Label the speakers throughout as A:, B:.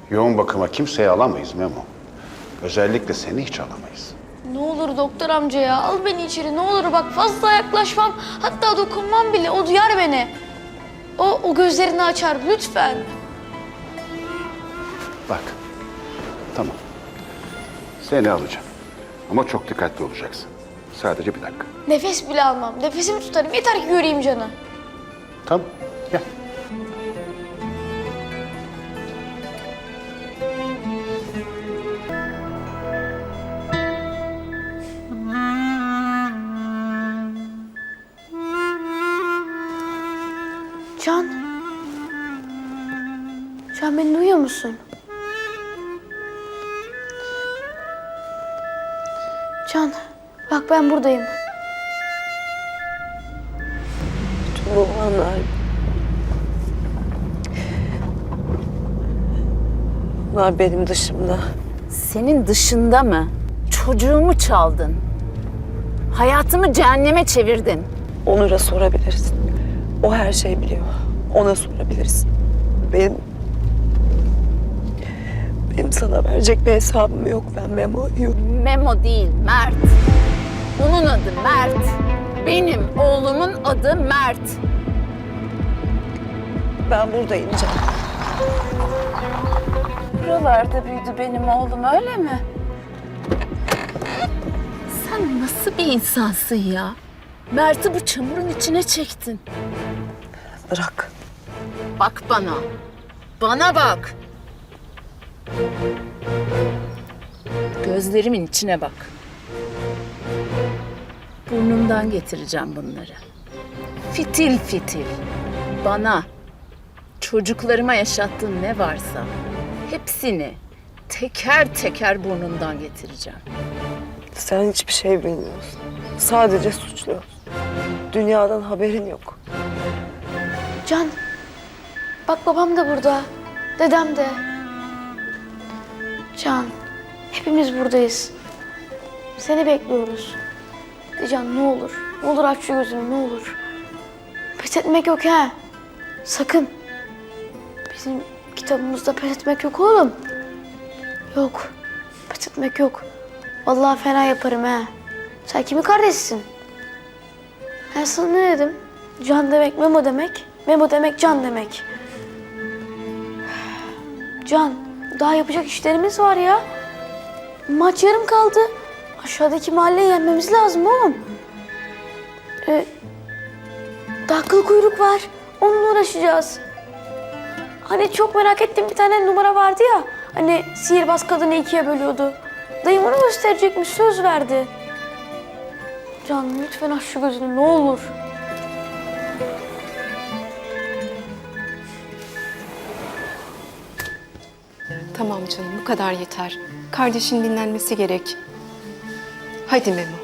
A: Yoğun bakıma kimseyi alamayız Memo. Özellikle seni hiç alamayız.
B: Ne olur doktor amca ya, al beni içeri ne olur, bak fazla yaklaşmam, hatta dokunmam bile, o duyar beni. O gözlerini açar lütfen.
A: Bak, tamam. Seni alacağım. Ama çok dikkatli olacaksın. Sadece bir dakika.
B: Nefes bile almam, nefesimi tutarım, yeter ki göreyim Can'ı.
A: Tamam, gel.
B: Can. Can, beni duyuyor musun? Can, bak ben buradayım.
C: Bu anlar... Bunlar benim dışımda.
D: Senin dışında mı? Çocuğumu çaldın. Hayatımı cehenneme çevirdin.
C: Onur'a sorabiliriz. O her şeyi biliyor. Ona sorabiliriz. Benim sana verecek bir hesabım yok. Ben Memo'yu...
D: Memo değil, Mert. Onun adı Mert. Benim oğlumun adı Mert.
C: Ben burada ineceğim.
D: Buralarda büyüdü benim oğlum, öyle mi? Sen nasıl bir insansın ya? Mert'i bu çamurun içine çektin.
C: Bırak.
D: Bak bana. Bana bak. Gözlerimin içine bak. Burnumdan getireceğim bunları. Fitil fitil. Bana, çocuklarıma yaşattığın ne varsa hepsini teker teker burnumdan getireceğim.
C: Sen hiçbir şey bilmiyorsun. Sadece suçluyorsun. Dünyadan haberin yok.
B: Can, bak babam da burada, dedem de. Can, hepimiz buradayız. Seni bekliyoruz. De Can, ne olur, ne olur aç şu gözünü, ne olur. Pes etmek yok ha, sakın. Bizim kitabımızda pes etmek yok oğlum. Yok, pes etmek yok. Vallahi fena yaparım ha. Sen kimin kardeşsin? Ben sana ne dedim? Can demek Memo demek, Memo demek Can demek. Can, daha yapacak işlerimiz var ya. Maç yarım kaldı. Aşağıdaki mahalleyi yenmemiz lazım oğlum. Daha kıl kuyruk var. Onunla uğraşacağız. Hani çok merak ettiğim bir tane numara vardı ya. Hani sihirbaz kadını ikiye bölüyordu. Dayım onu gösterecekmiş, söz verdi. Can, lütfen aç şu gözünü, ne olur.
E: Tamam canım, bu kadar yeter. Kardeşin dinlenmesi gerek. Hadi Memo.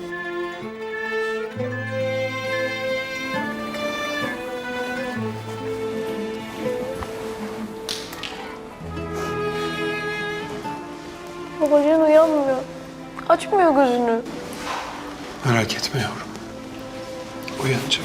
B: Baba, Can uyanmıyor. Açmıyor gözünü.
F: Merak etme yavrum. Uyanacak.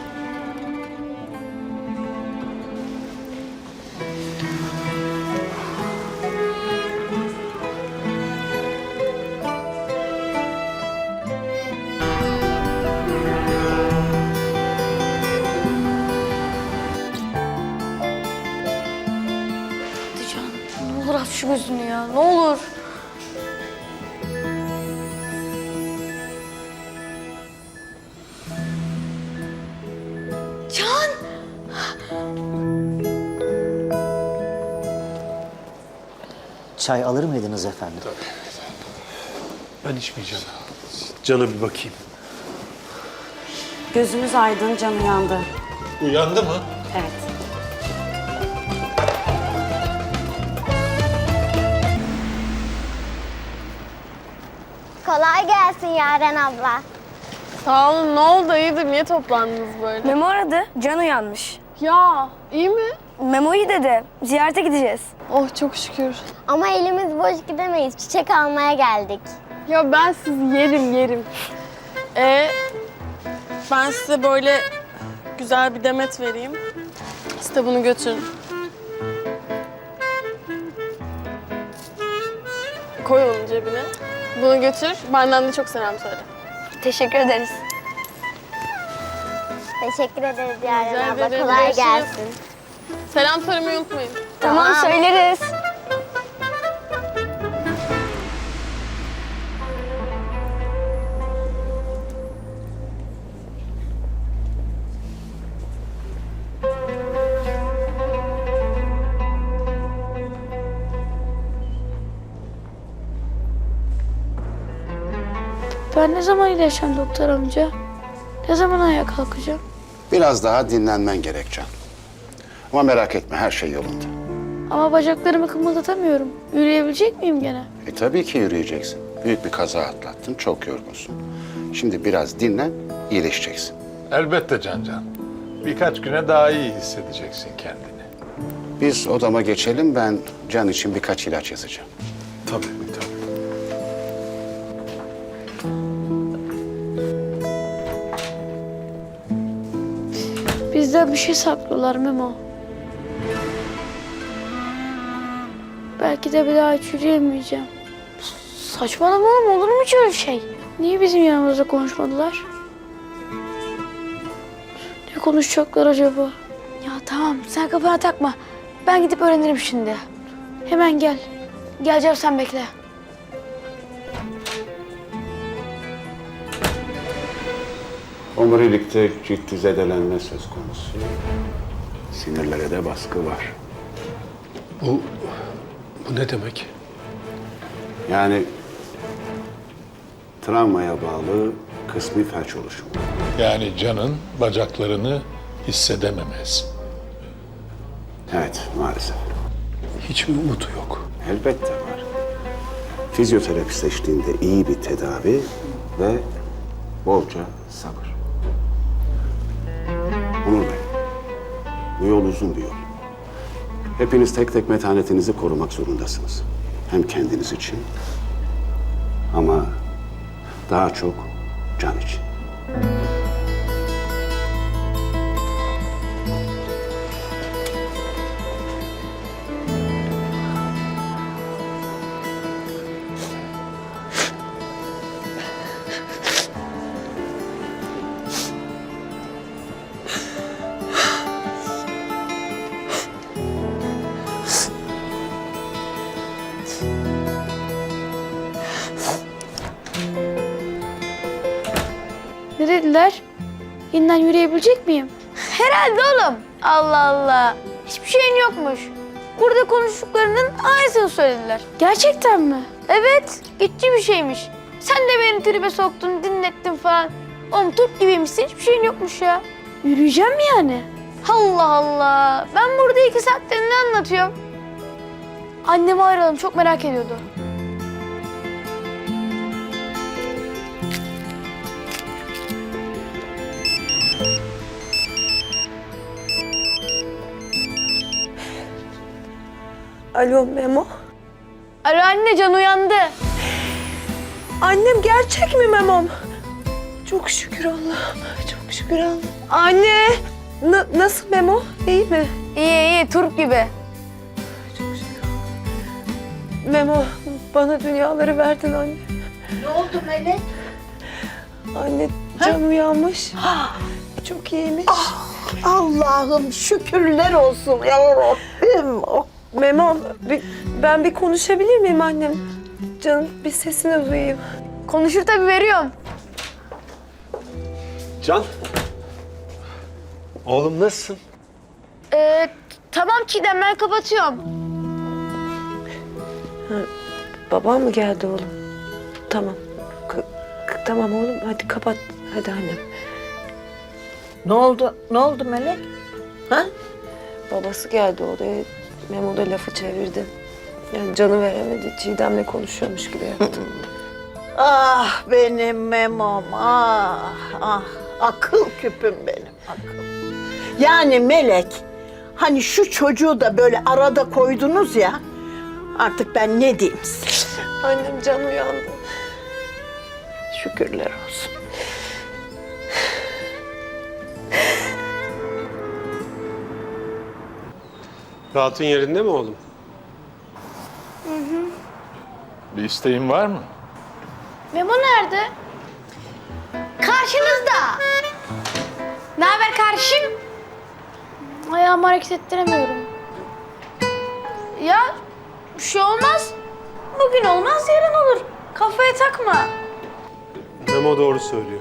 B: Hadi Can, ne olur aç şu gözünü ya, ne olur. Can!
G: Çay alır mıydınız efendim?
F: Ben içmeyeceğim. Can'a bir bakayım.
H: Gözümüz aydın, Can uyandı.
F: Uyandı mı?
H: Evet.
I: Kolay gelsin Yaren abla.
J: Sağ olun. Ne oldu? İyidir. Niye toplandınız böyle?
K: Memo aradı. Can uyanmış.
J: Ya iyi mi?
K: Memo iyi dedi. Ziyarete gideceğiz.
J: Oh çok şükür.
I: Ama elimiz boş gidemeyiz. Çiçek almaya geldik.
J: Ya ben sizi yerim. Ben size böyle güzel bir demet vereyim. Siz de bunu götürün. Koy onu cebine. Bunu götür. Benden de çok selam söyle.
K: Teşekkür ederiz.
I: Teşekkür ederiz
J: Rica
I: Yaren abla.
J: ederim.
I: Kolay
J: Görüşürüz.
I: gelsin.
J: Selam söylemeyi unutmayın.
K: Tamam söyleriz.
B: Ben ne zaman iyileşeceğim doktor amca? Ne zaman ayağa kalkacağım?
A: Biraz daha dinlenmen gerek Can. Ama merak etme, her şey yolunda.
B: Ama bacaklarımı kımıldatamıyorum. Yürüyebilecek miyim gene?
A: Tabii ki yürüyeceksin. Büyük bir kaza atlattın, çok yorgunsun. Şimdi biraz dinlen, iyileşeceksin.
F: Elbette Can. Birkaç güne daha iyi hissedeceksin kendini.
A: Biz odama geçelim, ben Can için birkaç ilaç yazacağım.
F: Tabii.
B: Bizden bir şey saklıyorlar Memo. Belki de bir daha hiç yürüyemeyeceğim. Saçmalama oğlum, olur mu hiç öyle şey? Niye bizim yanımızda konuşmadılar? Ne konuşacaklar acaba? Ya tamam, sen kafana takma. Ben gidip öğrenirim şimdi. Hemen gel. Geleceğim, sen bekle.
A: Omurilikte ciddi zedelenme söz konusu. Sinirlere de baskı var.
F: Bu ne demek?
A: Yani travmaya bağlı kısmi felç oluşumu.
F: Yani Can'ın bacaklarını hissedememez.
A: Evet, maalesef.
F: Hiç mi umudu yok?
A: Elbette var. Fizyoterapist eşliğinde iyi bir tedavi ve bolca sabır. Onur Bey, bu yol uzun bir yol. Hepiniz tek tek metanetinizi korumak zorundasınız. Hem kendiniz için ama daha çok Can için.
B: Ne dediler? Yeniden yürüyebilecek miyim? Herhalde oğlum. Allah Allah. Hiçbir şeyin yokmuş. Burada konuştuklarının aynısını söylediler. Gerçekten mi? Evet. Geçici bir şeymiş. Sen de beni tribe soktun, dinlettin falan. Oğlum Türk gibiymişsin. Hiçbir şeyin yokmuş ya. Yürüyeceğim mi yani? Allah Allah. Ben burada 2 saattir ne anlatıyorum? Annemi arayalım. Çok merak ediyordu.
C: Alo Memo.
B: Alo anne, Can uyandı.
C: Annem gerçek mi Memo'm? Çok şükür Allah'ım. Çok şükür Allah'ım. Anne. Nasıl Memo? İyi mi?
B: İyi, Turp gibi.
C: Çok şükür. Memo bana dünyaları verdin anne.
D: Ne oldu Melek?
C: Anne Can uyanmış. Çok iyiymiş.
D: Allah'ım şükürler olsun ya Rabbim.
C: Memo ben bir konuşabilir miyim annem? Canım bir sesini duyayım.
B: Konuşur tabii, veriyorum.
F: Can. Oğlum nasılsın?
B: Tamam Çiğdem, ben kapatıyorum.
C: Babam mı geldi oğlum? Tamam. Tamam oğlum hadi kapat. Hadi annem.
D: Ne oldu? Ne oldu Melek? Ha?
C: Babası geldi odaya. Memo da lafı çevirdi. Yani canı veremedi. Çiğdem'le konuşuyormuş gibi yaptı.
D: Ah benim Memo'm, ah. Akıl küpüm benim, akıl. Yani Melek, hani şu çocuğu da böyle arada koydunuz ya, artık ben ne diyeyim size?
C: Annem Can uyandı.
D: Şükürler olsun.
L: Rahatın yerinde mi oğlum?
F: Bir isteğin var mı?
B: Memo nerede? Karşınızda. Ne haber kardeşim? Ayağımı hareket ettiremiyorum. Ya bir şey olmaz. Bugün olmaz yarın olur. Kafaya takma.
L: Memo doğru söylüyor.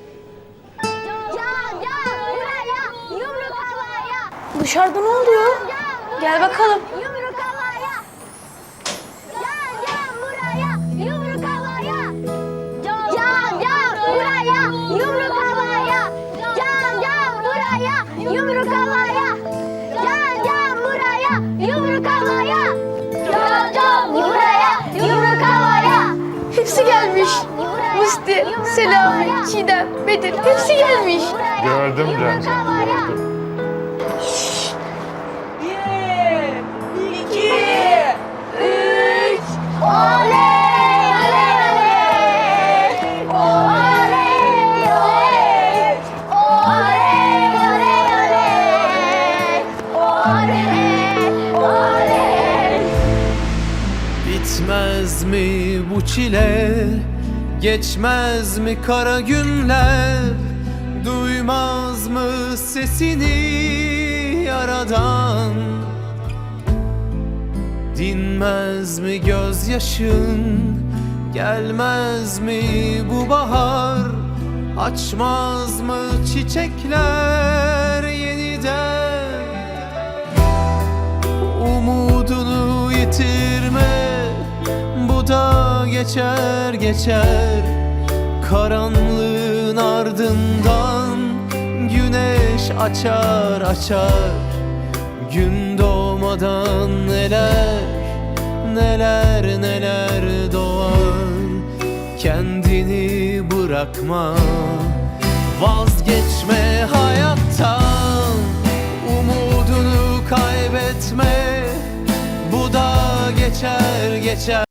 I: Buraya yumruk havaya.
B: Dışarıda ne oluyor? Gel bakalım.
I: Yumruk havaya. Buraya yumruk havaya. Buraya yumruk havaya. Buraya yumruk havaya. Buraya yumruk havaya. Buraya yumruk havaya.
B: Hepsi gelmiş. Musti, Selami, Çiğdem, Bedir hepsi gelmiş.
F: Gördüm canım, gördüm.
I: Oley oley oley. Oley oley. Oley oley oley. Oley oley.
L: Bitmez mi bu çile? Geçmez mi kara günler? Duymaz mı sesini yaradan? Dinmez mi gözyaşın? Gelmez mi bu bahar? Açmaz mı çiçekler yeniden? Umudunu yitirme, bu da geçer geçer. Karanlığın ardından güneş açar açar. Gün doğmadan neler neler neler doğar. Kendini bırakma, vazgeçme hayattan. Umudunu kaybetme, bu da geçer geçer.